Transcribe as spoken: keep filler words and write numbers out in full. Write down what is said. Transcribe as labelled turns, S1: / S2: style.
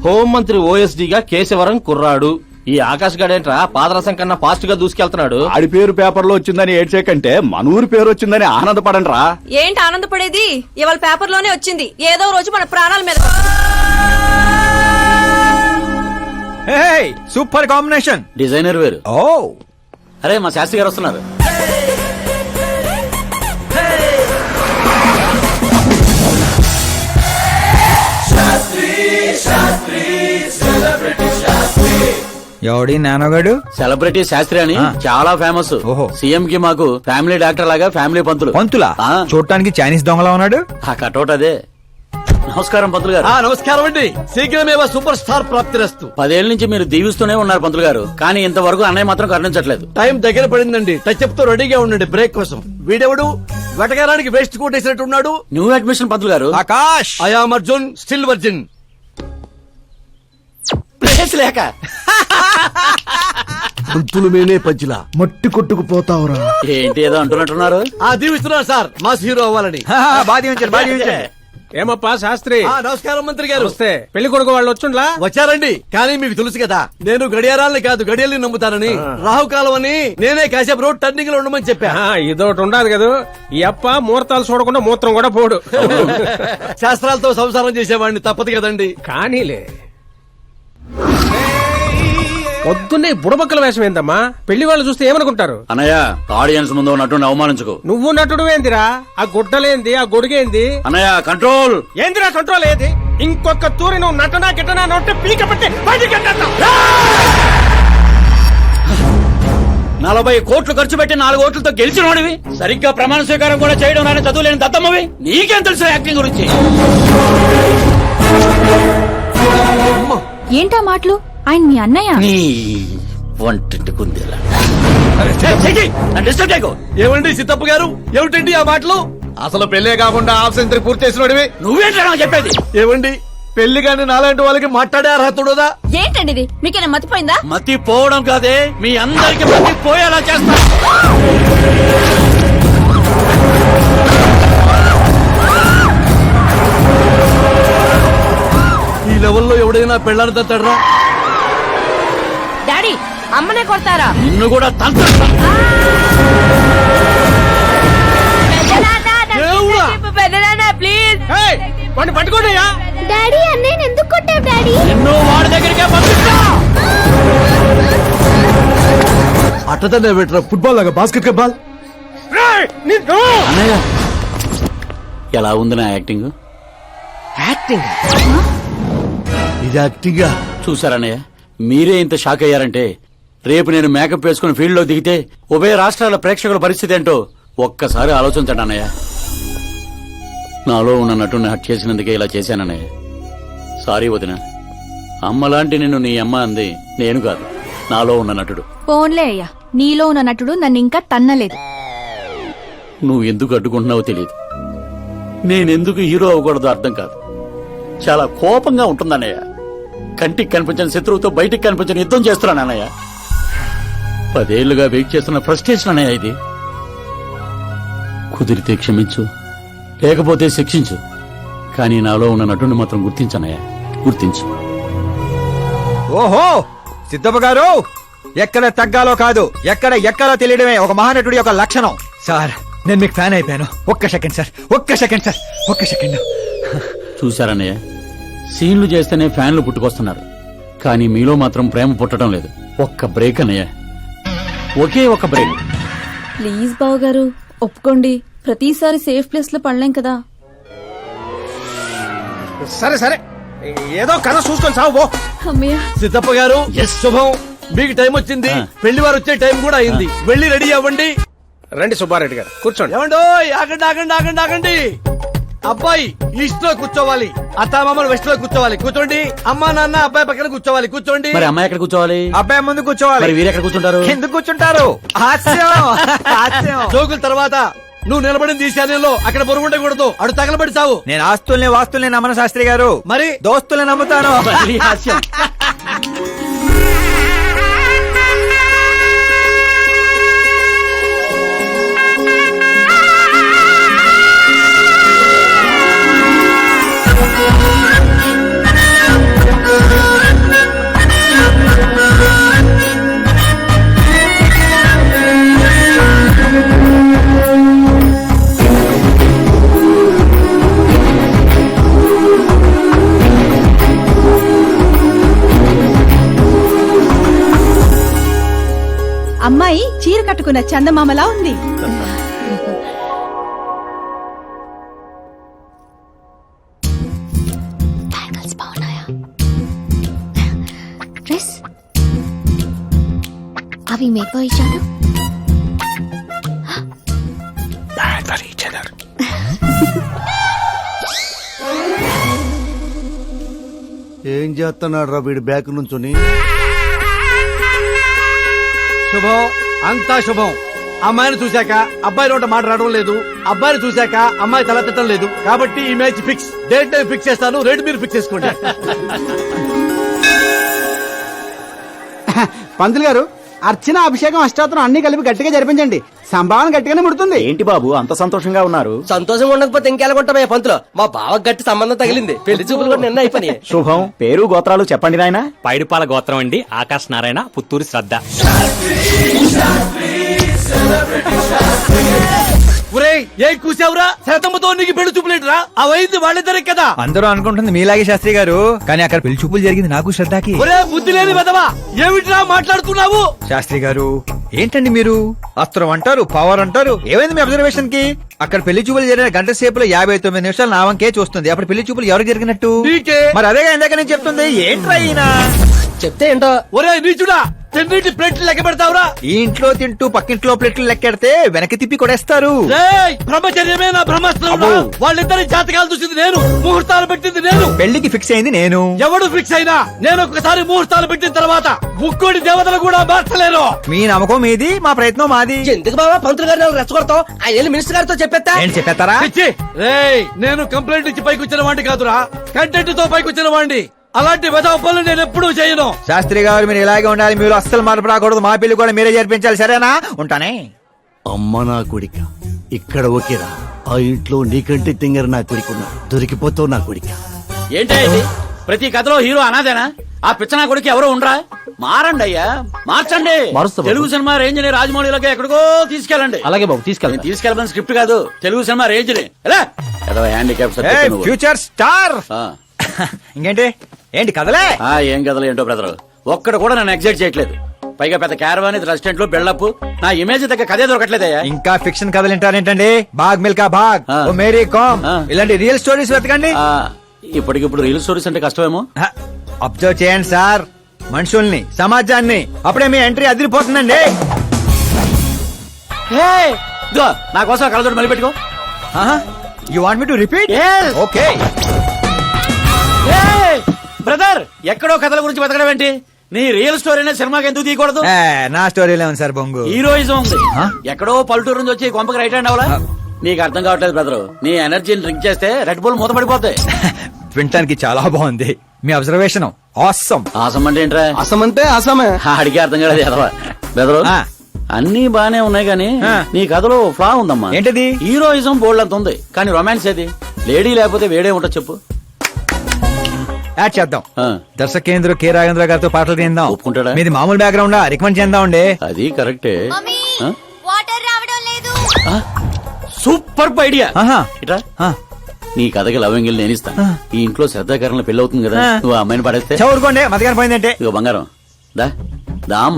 S1: హోంమంత్రి ఓఎస్డీగా కేశవరం కుర్రాడు. ఈ ఆకాశ్ గడేంట్రా పాదరసం కన్నా ఫాస్ట్ గా దూసుకెళ్తున్నాడు.
S2: ఆడి పేరు పేపర్ లో వచ్చిందని ఏడ్చే కంటే మన ఊరి పేరు వచ్చిందని ఆనందపడండి రా.
S3: ఏంటి ఆనందపడేది? ఇవాళ పేపర్ లోనే వచ్చింది. ఏదో రోజు మన ప్రాణాల మీద.
S4: Super combination.
S1: డిజైనర్ వేరు.
S4: ఓ
S1: అరే మా శాస్త్రి గారు వస్తున్నారు.
S4: ఎవడి నానోగాడు?
S1: సెలబ్రిటీ శాస్త్రి అని చాలా ఫేమస్.
S4: ఓహో.
S1: సీఎం కి మాకు ఫ్యామిలీ డాక్టర్ లాగా ఫ్యామిలీ పంతులు.
S4: పంతులా?
S1: ఆ.
S4: చూడటానికి చైనీస్ దొంగలా ఉన్నాడు.
S1: ఆ కటౌట్ అదే. నమస్కారం పంతులు గారు.
S5: నమస్కారం అండి. శీఘ్రమేవ సూపర్ స్టార్ ప్రాప్తిరస్తు.
S1: పదేళ్ల నుంచి మీరు దీవిస్తూనే ఉన్నారు పంతులు గారు, కానీ ఇంతవరకు అన్నయ్య మాత్రం కరుణించట్లేదు.
S5: టైం దగ్గర పడిందండి. టచ్ అప్ తో రెడీగా ఉండండి బ్రేక్ కోసం. వీడెవడు వెటకారానికి వేస్ట్ కొట్టేసినట్టున్నాడు.
S1: న్యూ అడ్మిషన్ పంతులు గారు.
S4: Akash.
S5: I am Arjun, still virgin.
S1: Place లేక
S5: పంతులు మేనే పంచిలా
S2: మట్టి కొట్టుకుపోతావురా.
S1: ఏంటి ఏదో అంటున్నట్టున్నారు.
S5: ఆ దీవిస్తున్నారు సార్ మాస్ హీరో అవ్వాలని.
S4: బాధి ఉంచారు బాధి ఉంచారు.
S6: ఏమప్పా శాస్త్రి?
S5: ఆ, నమస్కారం మంత్రి గారు.
S6: వస్తే పెళ్లి కొడుకు వాళ్ళు వచ్చుండ్లా?
S5: వచ్చారండి. కానీ మీకు తెలుసు కదా నేను గడియారాలని కాదు గడియల్ని నమ్ముతానని. రాహుకాలం అని నేనే కాసేపు రోడ్ టర్నింగ్ లో ఉండమని చెప్పా.
S6: ఆ, ఇదొకటి ఉండదు కదా. ఈ అప్ప ముహూర్తాలు చూడకుండా మూత్రం కూడా పోడు.
S5: శాస్త్రాలతో సంసారం చేసేవాడిని, తప్పదు కదండి.
S6: కానీలే. పొద్దున్నే బుడబక్కల వేషం ఏందమ్మా? పెళ్లి వాళ్ళు చూస్తే ఏమనుకుంటారు?
S1: అన్నయ్య ఆడియన్స్ ముందు ఉన్నట్టు అవమానించుకో.
S6: నువ్వు నటుడు ఏందిరా? ఆ గుడ్డలేంది, ఆ గొడుగేంది?
S1: అన్నయ్య కంట్రోల్.
S6: ఏందిరా కంట్రోల్ ఏది? ఇంకొక తూరి నువ్వు నటనా గిట్టనా నోటే పీక పెట్టి బయటికి వెళ్ళొద్దు.
S1: నలభై కోట్లు ఖర్చు పెట్టి నాలుగు ఓట్లతో గెలిచిన వాడివి, సరిగ్గా ప్రమాణ స్వీకారం కూడా చేయడం నాని చదువులేని దత్తమ్మవి, నీకేం తెలుసు యాక్టింగ్ గురించి?
S7: ఏంటా మాటలు? ఆయన మీ అన్నయ్య.
S1: నీ వంటింటి కుందేలా.
S5: ఏమండి సిద్ధప్ప గారు, ఏమిటండి ఆ మాటలు?
S4: అసలు పెళ్లే కాకుండా హాఫ్ సెంచరీ పూర్తి చేసినోడివి.
S1: నువ్వేంటా చెప్పేది?
S5: ఏమండి పెళ్లి కాని నాలాంటి వాళ్ళకి మాట్లాడే అర్హత ఉండదా?
S3: ఏంటండి ఇది? మీకేనా మతిపోయిందా?
S1: మతి పోవడం కాదే, మీ అందరికి మతి పోయేలా చేస్తా.
S5: ఈ లెవెల్లో ఎవడైనా పెళ్ళాన్ని తట్టడరా?
S3: డాడీ అమ్మనే కొడతారా?
S1: నిన్ను కూడా తంత్ర.
S3: ప్లీజ్
S6: వాడిని పట్టుకోండియా.
S7: డాడీ అన్నయ్య ఎందుకు కొట్టావు డాడీ?
S1: నిన్ను వాడి దగ్గరికే పంపిస్తా.
S5: అట్టతనే పెట్టరా ఫుట్బాల్ లాగా బాస్కెట్ బాల్.
S1: అన్నయ్య ఎలా ఉంది నా యాక్టింగ్?
S6: యాక్టింగ్
S5: ఇది యాక్టింగా?
S1: చూసారన్నయ్య, మీరే ఇంత షాక్ అయ్యారంటే రేపు నేను మేకప్ వేసుకుని ఫీల్డ్ లో దిగితే ఉభయ రాష్ట్రాల ప్రేక్షకుల పరిస్థితి ఏంటో ఒక్కసారి ఆలోచించండి అన్నయ్య. నాలో ఉన్న నటుని హట్ చేసినందుకే ఇలా చేశానన్నయ్య. సారీ వదిన. అమ్మలాంటి నిన్ను నీ అమ్మ అంది నేను కాదు, నాలో ఉన్న నటుడు.
S7: పోన్లే అయ్యా, నీలో ఉన్న నటుడు నన్ను ఇంకా తన్నలేదు.
S1: నువ్వు ఎందుకు అడ్డుకుంటున్నావో తెలియదు, నేనెందుకు హీరో అవ్వకూడదో అర్థం కాదు. చాలా కోపంగా ఉంటుందన్నయ్య. కంటికి కనిపించిన శత్రువుతో బయటికి కనిపించిన యుద్ధం చేస్తున్నాను అన్నయ్య. పదేళ్లుగా వెయిట్ చేస్తున్న ఫ్రస్ట్రేషన్ అన్నయ్య ఇది. కుదిరితే క్షమించు, లేకపోతే శిక్షించు, కానీ నాలో ఉన్న నటుని మాత్రం గుర్తించనయ్య, గుర్తించు.
S4: ఓహో సిద్ధప్ప గారు, ఎక్కడ తగ్గాలో కాదు ఎక్కడ ఎక్కాలో తెలియడమే ఒక మహానటుడి యొక్క లక్షణం. సార్ నేను మీకు ఫ్యాన్ అయిపోయాను. ఒక్క సెకండ్ సార్, ఒక్క సెకండ్ సార్, ఒక్క సెకండ్.
S1: చూశారన్నయ్య, సీన్లు చేస్తేనే ఫ్యాన్లు పుట్టుకొస్తున్నారు, కానీ మీలో మాత్రం ప్రేమ పుట్టడం లేదు. ఒక్క బ్రేక్ అన్నయ్య, ఒకే ఒక బ్రేక్.
S7: ప్లీజ్ బావ గారు ఒప్పుకోండి. ప్రతిసారి సేఫ్ ప్లేస్ లో పడలేం కదా.
S6: సరే సరే, ఏదో కథ చూసుకొని సాగు పో.
S7: అమ్మయ్య.
S5: సిద్ధప్ప గారు శుభం. మీకు టైం వచ్చింది, పెళ్లి వారు వచ్చే టైం కూడా అయింది. వెళ్ళి రెడీ అవ్వండి.
S6: రండి సుబ్బారెడ్డి గారు కూర్చోండి.
S5: ఏమండో ఆగండి ఆగండి ఆగండి ఆగండి. అబ్బాయి ఈస్ట్ లో కూర్చోవాలి, అత్తామామలు వెస్ట్ లో కూర్చోవాలి. కూర్చోండి. అమ్మా నాన్న అబ్బాయి పక్కన కూర్చోవాలి. కూర్చోండి.
S1: మరి అమ్మాయి ఎక్కడ కూర్చోవాలి?
S4: అబ్బాయి ముందు కూర్చోవాలి.
S1: మరి వీరు ఎక్కడ కూర్చుంటారు?
S4: ఎందుకు కూర్చుంటారు? హాస్యం హాస్యం.
S5: జోకుల తర్వాత నువ్వు నిలబడింది ఈ శాలయంలో, అక్కడ బరువు ఉండకూడదు. అడు తగలబడి సావు.
S4: నేను ఆస్తుల్ని వాస్తుల్ని నమ్మను శాస్త్రి గారు,
S5: మరి
S4: దోస్తుల్ని నమ్ముతాను.
S1: మళ్ళీ హాస్యం.
S8: కట్టుకున్న చందమామలా ఉంది.
S9: బ్యాంగిల్స్ బాగున్నాయా? డ్రెస్ అవి మేకో ఇచ్చాను.
S5: ఏం చేస్తున్నాడు రా వీడి బ్యాక్ నుంచుని?
S6: శుభం, అంతా శుభం. అమ్మాయిని చూశాక అబ్బాయి నోట మాట రావడం లేదు, అబ్బాయిని చూశాక అమ్మాయి తల తిట్టడం లేదు. కాబట్టి ఈ match fix. Date time fix చేస్తాను, రేట్ మీరు ఫిక్స్ చేసుకోండి.
S10: పంతులు గారు, అర్చన అభిషేకం అష్టాత్రం అన్ని కలిపి గట్టిగా జరిపించండి. సంభావన గట్టిగానే ముడుతుంది.
S2: ఏంటి బాబు అంత సంతోషంగా ఉన్నారు?
S6: సంతోషంగా ఉండకపోతే ఇంకెలాగుంటామయ్యా పంతులు? మా బావ గట్టి సంబంధం తగిలింది, పెళ్లి చూపులు కూడా నిన్న అయిపోయినాయి.
S2: శుభం. పేరు గోత్రాలు చెప్పండి నాయనా.
S11: పైడిపాల గోత్రం అండి, ఆకాశ్ నారాయణ, పుత్తూరు శ్రద్ధ.
S5: ఒరేయ్, ఏం కూసావురా? శతమ్మతో నీకు పెళ్లి చూపులేట్రా? అవైంది వాళ్ళిద్దరే కదా.
S4: అందరూ అనుకుంటుంది మీలాగే శాస్త్రి గారు, కానీ అక్కడ పెళ్లి చూపులు జరిగింది నాకు శ్రద్ధకి.
S5: ఒరే బుద్ధి లేని వెదవా, ఏమిట్రా మాట్లాడుతున్నావు?
S4: శాస్త్రి గారు ఏంటండి మీరు? అస్త్రం అంటారు, పవర్ అంటారు. ఏమైంది మీ అబ్జర్వేషన్ కి? అక్కడ పెళ్లి చూపులు జరిగిన గంట సేపులో యాభై తొమ్మిది నిమిషాలు నా వంకే చూస్తుంది. అప్పుడు పెళ్లి చూపులు ఎవరికి జరిగినట్టు?
S5: నీకే.
S4: మరి అదేగా ఇందాక నేను చెప్తుంది. ఏంట్రా ఈయన
S6: చెప్తే ఏంటో. ఒరే నీచుడా, తిన్నింటి ప్లేట్లు లెక్క పెడతావురా?
S4: ఈ ఇంట్లో తింటూ పక్కింట్లో ప్లేట్లు లెక్కెడితే వెనక్కి తిప్పి కొడేస్తారు.
S5: రేయ్, బ్రహ్మచర్యమే నా బ్రహ్మాస్త్రం. వాళ్ళిద్దరి జాతకాలు చూసింది నేను, ముహూర్తాలు పెట్టింది నేను.
S4: పెళ్లికి ఫిక్స్ అయింది నేను.
S5: ఎవడు ఫిక్స్ అయినా నేను ఒక్కసారి ముహూర్తాలు పెట్టిన తర్వాత ముక్కోడి దేవతలు కూడా మార్చలేరు.
S4: మీ నమ్మకం మీది, మా ప్రయత్నం మాది.
S6: ఎందుకు బాబా పంతులు గారిని రెచ్చగొడతావు? ఆయన మినిస్టర్ గారితో చెప్పేస్తా.
S4: ఏంటి చెప్పేస్తారా?
S5: పిచ్చి. రేయ్, నేను కంప్లైంట్ ఇచ్చి పైకి వచ్చిన వాడిని కాదురా, కంటెంట్ తో పైకి వచ్చిన వాడిని. అలాంటి వెధవ పనులు నేను ఎప్పుడూ చేయను.
S4: శాస్త్రి గారు మీరు ఇలాగే ఉండాలి, మీరు అస్సలు మార్పు రాకూడదు. మా పెళ్లి కూడా మీరే జరిపించాలి, సరేనా? ఉంటానే.
S5: అమ్మ నా కొడిక, ఇక్కడ ఓకేరా. ఆ ఇంట్లో నీకంటే తింగర నా కొడుకున్నాడు, దొరికిపోతావు నా కొడిక.
S1: ఏంటే ఇది? ప్రతి కథలో హీరో అనాదేనా? ఆ పిచ్చనా కొడుకు ఎవరో ఉండరా? మారండి అయ్యా, మార్చండి. తెలుగు సినిమా రేంజ్ ని రాజమౌళిలోకి ఎక్కడికో తీసుకెళ్ళండి.
S10: అలాగే బాబు, తీసుకెళ్ళండి.
S1: తీసుకెళ్ళమని స్క్రిప్ట్ కాదు, తెలుగు సినిమా రేంజ్ ని. ఏదో హ్యాండిక్యాప్
S4: ఫ్యూచర్ స్టార్. ఇంకేంటి ఏంటి కదలే?
S1: ఏం కథలు ఏంటో బ్రదర్, ఒక్కడ కూడా నన్ను ఎగ్జైట్ చేయట్లేదు. పైగా పెద్ద క్యారవాన్ రెస్టారెంట్ లో బిల్డప్, నా ఇమేజ్ దగ్గర కథే దొరకట్లేదయ్యా.
S4: ఇంకా ఫిక్షన్ కథలు వింటారేంటండి? బాగ్ మిల్కా బాగ్,
S1: ఆ.
S4: ఓ మేరీ కామ్,
S1: ఆ.
S4: ఇలాంటి రియల్ స్టోరీస్ వెతకండి.
S1: ఆ, ఇప్పటికిప్పుడు రీల్ స్టోరీస్ అంటే కష్టమేమో.
S4: అబ్జర్వ్ చేయండి సార్ మనుషుల్ని, సమాజాన్ని. అప్పుడే మీ ఎంట్రీ అదిరిపోతుందండి.
S1: హే, ఇదిగో, నా కోసం కళ్ళజోడు మళ్ళీ పెట్టుకో.
S4: You want me to repeat?
S1: Yes.
S4: Okay.
S1: Brother, ఎక్కడో కథల గురించి బతకడం ఏంటి? నీ రియల్ స్టోరీనే సినిమాకి ఎందుకు తీయకూడదు?
S4: నా స్టోరీలో ఉంది సార్ బొంగు.
S1: హీరోయిజం ఉంది.
S4: ఆ?
S1: ఎక్కడో పల్లెటూరు నుంచి వచ్చి కొంపకి రైట్ హ్యాండ్ అవ్వాలా? నీకు అర్థం కావట్లేదు బ్రదర్. నీ ఎనర్జీని డ్రింక్ చేస్తే రెడ్ బుల్ మూతపడిపోతాయి.
S4: వినటానికి చాలా బాగుంది మీ అబ్జర్వేషన్. ఆసమ్.
S1: ఆసం అంటే ఏంట్రా?
S10: అసమంటే అసమే.
S1: అడిగే అర్థం కాలేదు ఎదవా. బ్రదర్,
S4: ఆ.
S1: అన్ని బానే ఉన్నాయి కానీ
S4: ఆ.
S1: నీ కథలో ఫ్లా ఉందమ్మా.
S4: ఏంటది?
S1: హీరోయిజం బోల్డ్ అంత ఉంది, కానీ రొమాన్స్ ఏది? లేడీ లేకపోతే వేడే ఉంటది చెప్పు.
S4: యాడ్ చేద్దాం.
S1: ఆ.
S4: దర్శకేంద్ర కె రాఘేంద్ర గారితో పాటలు తీద్దాం.
S1: ఒప్పుకుంటాడా?
S4: మీది మామూలు బ్యాక్గ్రౌండ్ రికమెండ్ చేద్దాం అండి.
S1: అది కరెక్టే. ఆ?
S9: వాటర్ రావడం లేదు.
S1: ఆ? Super idea.
S4: ఆహా.
S1: ఇట్రా,
S4: ఆ.
S1: నీ కథకి లవంగిల్ నేను ఇస్తాను.
S4: ఆ.
S1: ఈ ఇంట్లో శ్రద్ధాకరణ పెళ్లి అవుతుంది కదా,
S4: ఆ.
S1: నువ్వు ఆ అమ్మాయిని పడేస్తే
S4: చదువుకోండి మతగాని పోయిందంటే.
S1: ఇక బంగారం దా దా